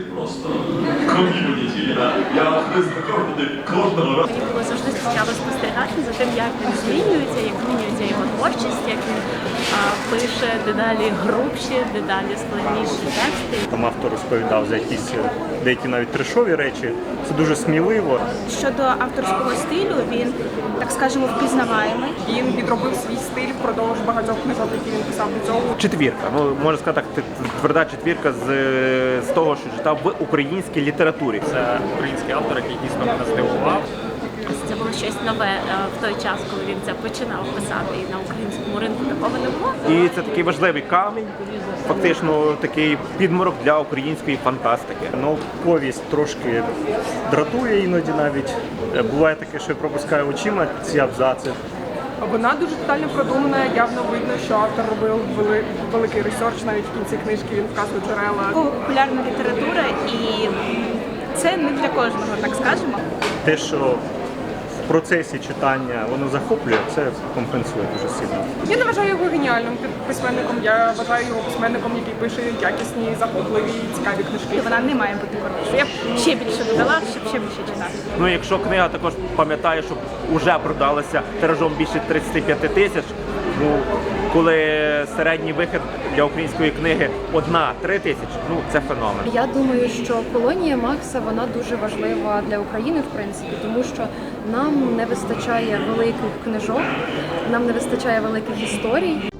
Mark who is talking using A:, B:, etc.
A: Просто ком'юніті. Я знайомий кожного разу.
B: Мені було завжди цікаво спостерігати за тим, як він змінюється, як змінюється його творчість, як він пише дедалі грубші, дедалі складніші тексти.
C: Там автор розповідав за якісь деякі навіть трешові речі. Це дуже сміливо.
D: Щодо авторського стилю, він, так скажемо, впізнаваємий.
E: Він підробив свій стиль впродовж багатьох книжок, які він писав до цього.
C: Четвірка. Ну, можна сказати так, тверда четвірка з того, що читав в українській літературі.
F: Це український автор, який дійсно мене здивував.
B: Це було щось нове в той час, коли він це починав писати, і на українському ринку такого не було.
C: І це такий важливий камінь, фактично такий підмурок для української фантастики. Науковість трошки дратує іноді навіть. Буває таке, що я пропускаю очима ці абзаци.
E: Вона дуже детально продумана, явно видно, що автор робив великий ресерч, навіть в кінці книжки він вказує джерела.
D: Популярна література, і це не для кожного, так скажемо.
C: Те, що в процесі читання воно захоплює, це компенсує дуже сильно.
E: Я не вважаю його геніальним письменником, я вважаю його письменником, який пише якісні, захопливі, цікаві книжки.
D: Вона не має бути коротшою. Я б ще більше додала, щоб ще більше читати.
C: Ну, якщо книга також пам'ятає, що вже продалася тиражом більше 35 тисяч, ну, коли середній вихід для української книги 1-3 тисячі, ну, це феномен.
G: Я думаю, що колонія Макса вона дуже важлива для України, в принципі, тому що нам не вистачає великих книжок, нам не вистачає великих історій,